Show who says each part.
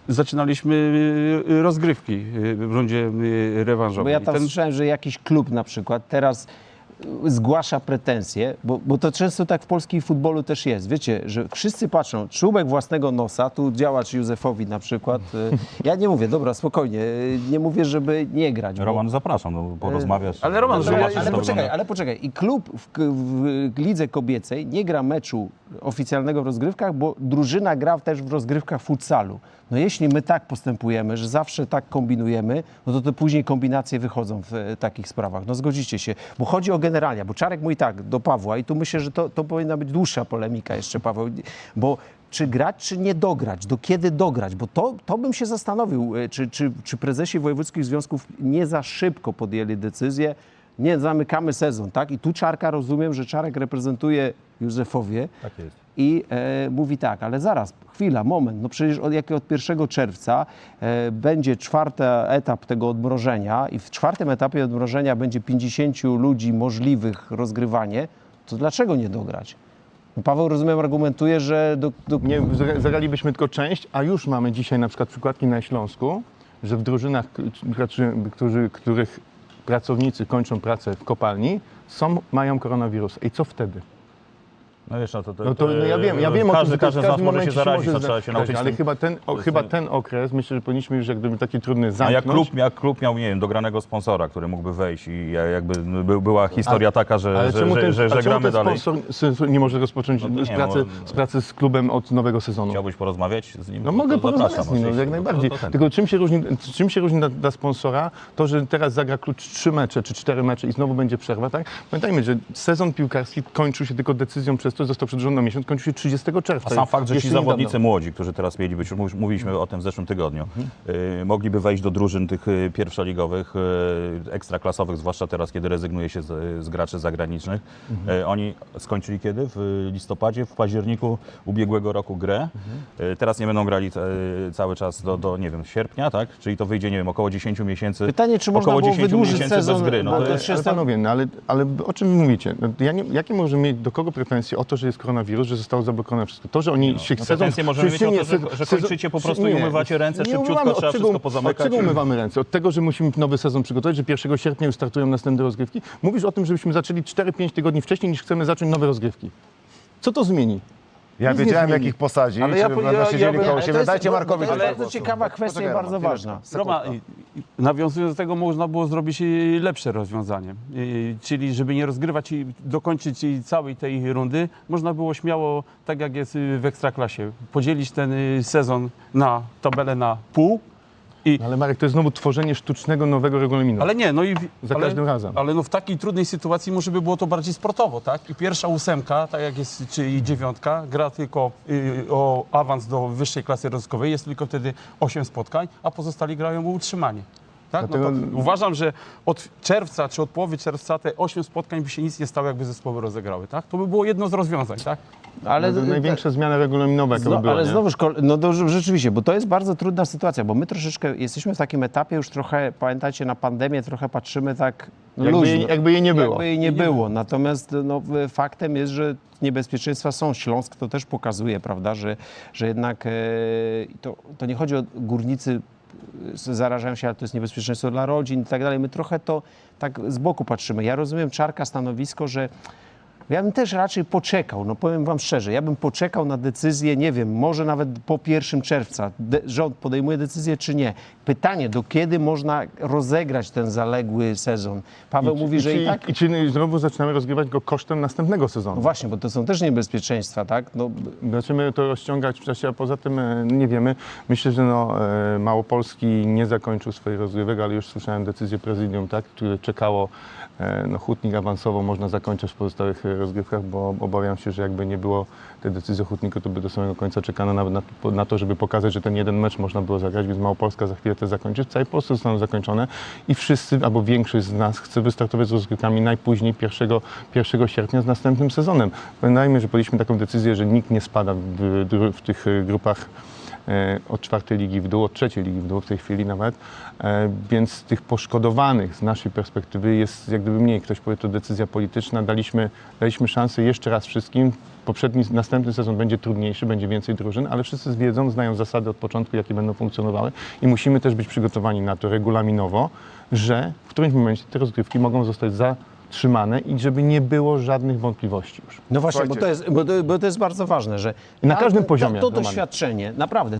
Speaker 1: zaczynaliśmy rozgrywki w rundzie rewanżowej.
Speaker 2: Bo ja tam słyszałem, że jakiś klub na przykład teraz zgłasza pretensje, bo to często tak w polskim futbolu też jest. Wiecie, że wszyscy patrzą, czubek własnego nosa, tu działacz Józefowi na przykład. Ja nie mówię, dobra, spokojnie, nie mówię, żeby nie grać.
Speaker 3: Roman, zapraszam, no, porozmawiać.
Speaker 1: Ale Roman,
Speaker 3: zobaczyć, jak to wygląda.
Speaker 2: Ale poczekaj. I klub w lidze kobiecej nie gra meczu oficjalnego w rozgrywkach, bo drużyna gra też w rozgrywkach futsalu. No jeśli my tak postępujemy, że zawsze tak kombinujemy, no to później kombinacje wychodzą w takich sprawach. No zgodzicie się, bo chodzi o generalia, bo Czarek mówi tak do Pawła i tu myślę, że to powinna być dłuższa polemika jeszcze, Paweł, bo czy grać, czy nie dograć, do kiedy dograć, bo to bym się zastanowił, czy prezesi wojewódzkich związków nie za szybko podjęli decyzję, nie zamykamy sezon, tak? I tu Czarka, rozumiem, że Czarek reprezentuje Józefowie.
Speaker 3: Tak jest.
Speaker 2: I mówi tak, ale zaraz, chwila, moment, no przecież od 1 czerwca będzie czwarty etap tego odmrożenia i w czwartym etapie odmrożenia będzie 50 ludzi możliwych rozgrywanie, to dlaczego nie dograć? No Paweł, rozumiem, argumentuje, że...
Speaker 4: Nie, zagralibyśmy tylko część, a już mamy dzisiaj na przykład przykładki na Śląsku, że w drużynach, których pracownicy kończą pracę w kopalni, mają koronawirusa. I co wtedy?
Speaker 3: No wiesz,
Speaker 4: ja wiem
Speaker 3: każdy
Speaker 4: o tym,
Speaker 3: z nas może się zarazić, to trzeba się nauczyć.
Speaker 4: Ale chyba ten okres, myślę, że powinniśmy już jak gdyby taki trudny zamknąć.
Speaker 3: Jak klub miał, nie wiem, dogranego sponsora, który mógłby wejść i jakby była historia taka, że gramy dalej.
Speaker 4: Sponsor nie może rozpocząć pracy z klubem od nowego sezonu?
Speaker 3: Chciałbyś porozmawiać z nim?
Speaker 4: No mogę porozmawiać z nim, jak najbardziej. Tylko czym się różni dla sponsora to, że teraz zagra klucz 3 mecze czy 4 mecze i znowu będzie przerwa, tak? Pamiętajmy, że sezon piłkarski kończył się tylko decyzją przez to, że został przedłużony na miesiąc, kończy się 30 czerwca.
Speaker 3: A sam fakt, że ci zawodnicy młodzi, którzy teraz mieli być, już mówiliśmy o tym w zeszłym tygodniu, mogliby wejść do drużyn tych pierwszoligowych, ekstraklasowych, zwłaszcza teraz, kiedy rezygnuje się z graczy zagranicznych. Oni skończyli kiedy? W listopadzie, w październiku ubiegłego roku grę. Teraz nie będą grali cały czas do nie wiem, sierpnia, tak? Czyli to wyjdzie, nie wiem, około 10 miesięcy.
Speaker 2: Pytanie, czy można było wydłużyć sezon
Speaker 3: bez gry. No,
Speaker 4: ale panowie, ale o czym mówicie? Jakie możemy mieć do kogo pretensje o to, że jest koronawirus, że zostało zablokowane wszystko? To, że oni się
Speaker 3: pretensje możemy mieć o to, że kończycie po prostu i umywacie ręce szybciutko, trzeba wszystko pozamykać.
Speaker 4: Od czego umywamy ręce? Od tego, że musimy nowy sezon przygotować, że 1 sierpnia już startują następne rozgrywki? Mówisz o tym, żebyśmy zaczęli 4-5 tygodni wcześniej, niż chcemy zacząć nowe rozgrywki. Co co zmieni?
Speaker 5: Ja wiedziałem, jakich posadzi,
Speaker 1: ale
Speaker 5: siedzieli koło siebie. Dajcie Markowi.
Speaker 2: To jest bardzo ciekawa kwestia i bardzo ważna.
Speaker 1: Roma, nawiązując do tego, można było zrobić lepsze rozwiązanie. Czyli żeby nie rozgrywać i dokończyć całej tej rundy, można było śmiało, tak jak jest w Ekstraklasie, podzielić ten sezon na tabelę na pół.
Speaker 4: Ale Marek, to jest znowu tworzenie sztucznego, nowego regulaminu.
Speaker 1: Ale nie, no i
Speaker 4: każdym razem.
Speaker 1: Ale no w takiej trudnej sytuacji może by było to bardziej sportowo, tak? I pierwsza 8, tak jak jest, czy i 9, gra tylko o awans do wyższej klasy rozrywkowej, jest tylko wtedy 8 spotkań, a pozostali grają o utrzymanie. Tak?
Speaker 4: Dlatego...
Speaker 1: No to uważam, że od czerwca, czy od połowy czerwca te 8 spotkań by się nic nie stało, jakby zespoły rozegrały, tak? To by było jedno z rozwiązań, tak?
Speaker 4: Ale to największa zmiana regulaminowa, jaka by była,
Speaker 2: ale
Speaker 4: nie?
Speaker 2: znowuż, rzeczywiście, bo to jest bardzo trudna sytuacja, bo my troszeczkę jesteśmy w takim etapie już trochę, pamiętacie, na pandemię trochę patrzymy tak luźno.
Speaker 4: Jakby jej nie było.
Speaker 2: Jakby jej nie było. Natomiast faktem jest, że niebezpieczeństwa są. Śląsk to też pokazuje, prawda, że jednak to nie chodzi o górnicy, zarażają się, ale to jest niebezpieczeństwo dla rodzin i tak dalej. My trochę to tak z boku patrzymy. Ja rozumiem Czarka stanowisko, że ja bym też raczej poczekał, no powiem wam szczerze, ja bym poczekał na decyzję, nie wiem, może nawet po 1 czerwca rząd podejmuje decyzję czy nie. Pytanie, do kiedy można rozegrać ten zaległy sezon? Paweł mówi, że i tak...
Speaker 4: I czy znowu zaczynamy rozgrywać go kosztem następnego sezonu?
Speaker 2: No właśnie, bo to są też niebezpieczeństwa, tak? No...
Speaker 4: Zaczniemy to rozciągać w czasie, a poza tym nie wiemy. Myślę, że Małopolski nie zakończył swoich rozgrywek, ale już słyszałem decyzję prezydium, tak, które czekało. Hutnik awansowo można zakończyć w pozostałych rozgrywkach, bo obawiam się, że jakby nie było tej decyzji o Hutniku, to by do samego końca czekano nawet na to, żeby pokazać, że ten jeden mecz można było zagrać, więc Małopolska za chwilę to zakończy. W całej Polsce zostaną zakończone i wszyscy, albo większość z nas chce wystartować z rozgrywkami najpóźniej 1 sierpnia z następnym sezonem. Pamiętajmy, że podjęliśmy taką decyzję, że nikt nie spada w tych grupach od 4. ligi w dół, od 3. ligi w dół w tej chwili nawet, więc tych poszkodowanych z naszej perspektywy jest jak gdyby mniej. Ktoś powie, to decyzja polityczna, daliśmy szansę jeszcze raz wszystkim. Następny sezon będzie trudniejszy, będzie więcej drużyn, ale wszyscy wiedzą, znają zasady od początku, jakie będą funkcjonowały i musimy też być przygotowani na to regulaminowo, że w którymś momencie te rozgrywki mogą zostać zatrzymane i żeby nie było żadnych wątpliwości już.
Speaker 2: No właśnie, bo to jest bardzo ważne, że
Speaker 4: Na każdym poziomie,
Speaker 2: to
Speaker 4: Romanie.
Speaker 2: doświadczenie, naprawdę,